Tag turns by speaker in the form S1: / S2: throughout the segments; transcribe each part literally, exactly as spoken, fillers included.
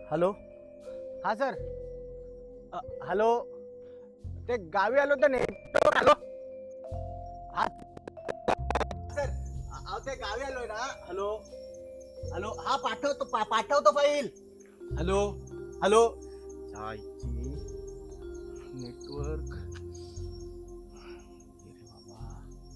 S1: Hello हा sir. अ, hello ते गावी आलो तर नेटवर्क आलो. हा सर. अहो ते गावी आलोय ना. हॅलो हॅलो हा पाठवतो पा, पाठवतो फाईल. हॅलो हॅलो जायची नेटवर्क. अरे बाबा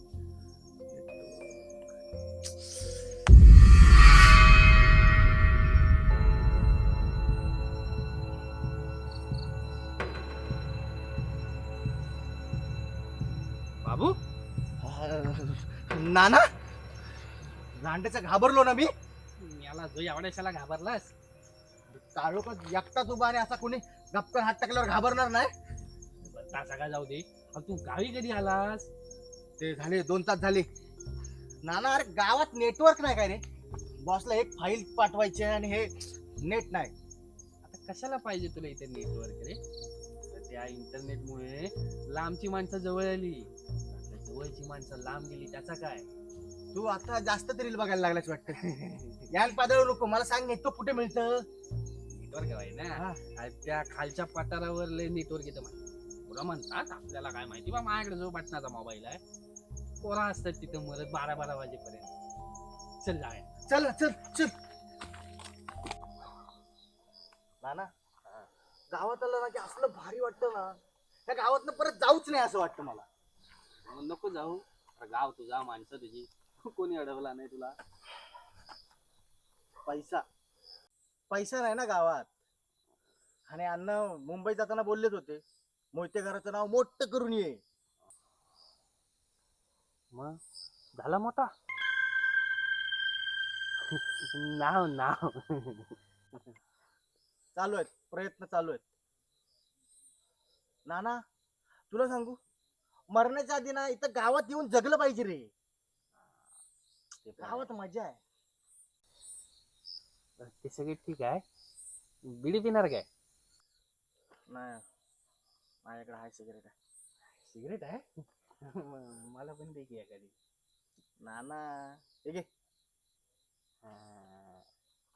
S2: बाबू
S1: नाना रांडेचा घाबरलो ना मी.
S2: याला जो एवढ्याशाला घाबरलास.
S1: काळोखात एकटाच उभा आणि असा कोणी गप्पन हात टाकल्यावर घाबरणार नाही.
S2: बत्ता सगळा जाऊ दे. पण तू गावी कधी आलास?
S1: ते झाले दोन तास झाले. नाना अरे गावात नेटवर्क नाही काय रे. बॉसला एक फाईल पाठवायची आहे आणि हे नेट नाही.
S2: आता कशाला पाहिजे तुला इथे नेटवर्क रे? तर त्या इंटरनेटमुळे लांबची माणसं जवळ आली. आता जवळची माणसं लांब गेली त्याचा काय?
S1: तू आता जास्त तरी बघायला लागलाच वाटतं. याल पादळ नको मला सांग नेटवर्क कुठे मिळतं.
S2: नेटवर्क आहे ना.
S1: हा.
S2: अरे त्या खालच्या पठारावर लय नेटवर्क येतं माहिती. तुला म्हणतात आपल्याला काय माहिती बा. माझ्याकडे जो बटनाचा मोबाईल आहे पोरा असतात तिथं मरत बारा बारा वाजेपर्यंत. चल जाऊया.
S1: चल ना, चल चल. नाना गावात आलं ना की असलं भारी वाटतं ना. त्या गावातनं परत जाऊच नाही असं वाटतं मला.
S2: मग नको जाऊ. अरे गाव तुझा माणसं तुझी. कोणी अडवला नाही तुला.
S1: पैसा पैसा नाही ना गावात. आणि अण्णा मुंबईत जाताना बोललेच होते मोहिते घराचं नाव मोठं करून ये.
S2: मग झाला मोठा. नाव नाव
S1: चालू आहेत प्रयत्न चालू आहेत. नाना तुला सांगू मरण्याच्या आधी ना इथं गावात येऊन जगलं पाहिजे रे. गावात मजा आहे.
S2: ते सगळे ठीक आहे. बिडी पिणार काय?
S1: नाही माझ्याकडे आहे सिगरेट आहे.
S2: सिगरेट आहे. म- मला पण दे की एखादी.
S1: नाना हे घे.
S2: हा.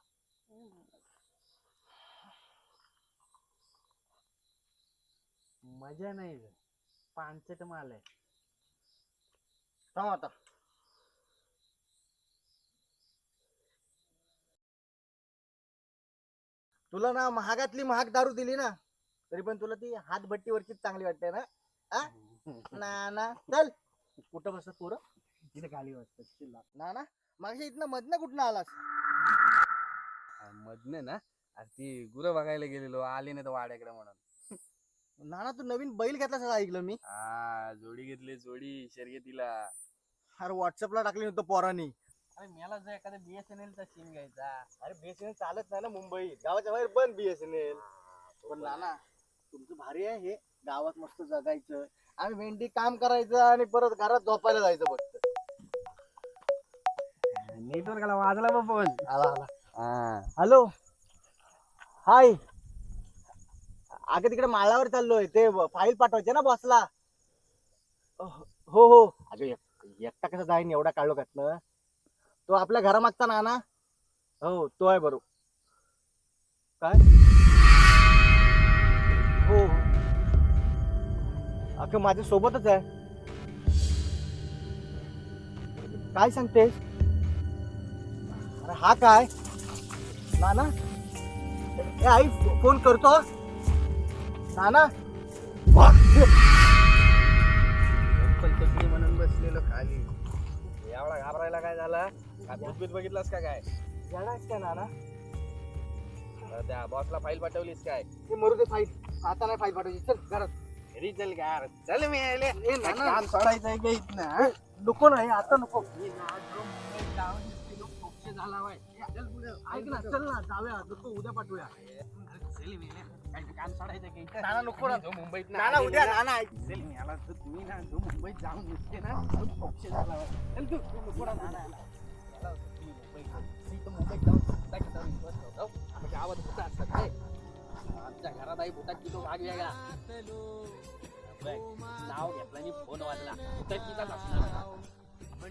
S2: मजा नाही रे. पानचट माल आहे.
S1: थांब आता. तुला ना महागातली महाग दारू दिली ना तरी पण तुला ती हातभट्टीवरची चांगली वाटते ना. आ? नाना चल. कुठं बसत पोरं
S2: तिथे खाली वाजतात.
S1: नाना मागच्या इथनं मधनं कुठनं आलास.
S2: मधन ना. अरे ती गुरं बघायला गेलेलो आली नाही तर वाड्याकडे म्हणून.
S1: नाना तू नवीन बैल घेतलास असं ऐकलं मी.
S2: हा जोडी घेतली जोडी शर्यतीला.
S1: अरे व्हॉट्सअपला टाकली नव्हतं पोरांनी.
S2: अरे मला जर एखादा बीएसएनएल चा सिम घ्यायचा.
S1: अरे बीएसएनएल चालत नाही ना मुंबईत. गावाच्या बाहेर बंद बीएसएनएल. पण नाना तुमचं भारी आहे हे. गावात मस्त जगायचं आणि भेंडी काम करायचं आणि परत घरात झोपायला जायचं फक्त.
S2: नेटवर्कला वाजला बा फोन.
S1: आला आला.
S2: हा.
S1: Hello hi. अगं तिकडे माळावर चाललोय ते फाईल पाठवायचे ना बॉसला. हो हो अगं एक- एकटा कसं जाईन एवढा काळोखातनं. तो आपल्या घरामागचा नाना. हो तो आहे बरोबर. काय हो अगं माझ्या सोबतच आहे. काय सांगतेस. अरे हा काय नाना. ए आई फोन करतो नाना.
S2: कल्पनी म्हणून बसलेलो खाली. एवढा घाबरायला काय झाला? काय भूतबीत बघितलास का काय?
S1: येणार काय नाना.
S2: तर त्या बॉसला फाईल पाठवलीस काय?
S1: ते मरू दे फाईल आता नाही फाईल पाठवायची. चल घरात.
S2: घरी चल काय चल मी आले.
S1: ए नाना
S2: काम सोडायचंय का इथनं?
S1: नको नाही आता नको.
S2: झाला बाय. चल पुढे.
S1: ऐक ना चल ना जाऊया नको उद्या पाठवूया.
S2: चल मी काय काम सोडायचं का इथं?
S1: नाना नको ना.
S2: जो मुंबईत
S1: नाना उद्या नाना ऐक.
S2: चल मी आला तर तुम्ही ना जो मुंबईत जाऊन दिसते ना तो पक्ष झाला बाय. चल तू तू नको ना नाना. याला तुम्ही मुंबईत मी तर मुंबईत जाऊन सुद्धा किती विश्वास ठेवतो. आम्ही गावात भूत असतात काय? आमच्या घरात आई भूताची तो भाग वेगळा. बघ, नाव घेतला आणि फोन वाजला. भूताचीचाच असणार.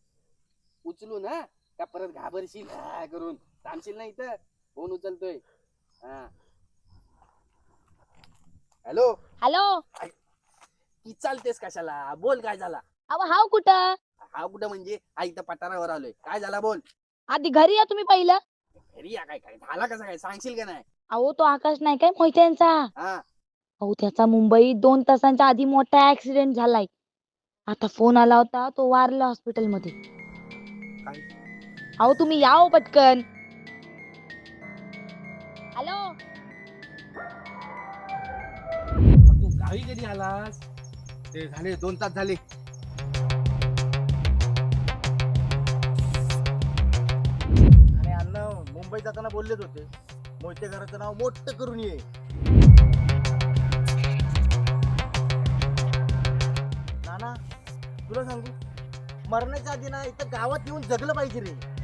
S2: उचलू ना का परत घाबरशील हा करून थांबशील ना इथं. फोन उचलतोय.
S1: हॅलो.
S3: हॅलो.
S2: ती चालतेस कशाला? बोल काय झाला?
S3: अहो हाव कुठं?
S2: हा कुठं म्हणजे? हा इथं पठारावर आलोय. काय झाला बोल?
S3: आधी घरी या तुम्ही पहिलं.
S2: घरी या काय काय झाला कसं काय सांगशील का नाही?
S3: अहो तो आकाश नाही काय मोहित्यांचा.
S2: हा
S3: अहो त्याचा मुंबईत दोन तासांच्या आधी मोठा ऍक्सिडेंट झालाय. आता फोन आला होता तो वारला हॉस्पिटलमध्ये.
S2: काय?
S3: अहो तुम्ही या हो पटकन. हॅलो.
S2: मग तू गावी कधी आलास?
S1: ते झाले दोन तास झाले. आणि अण्णा मुंबईत जाताना बोललेच होते मोहिते घराचं नाव मोठं करून ये. नाना तुला सांगू मरण्याच्या आधी ना इथं गावात येऊन जगलं पाहिजे रे.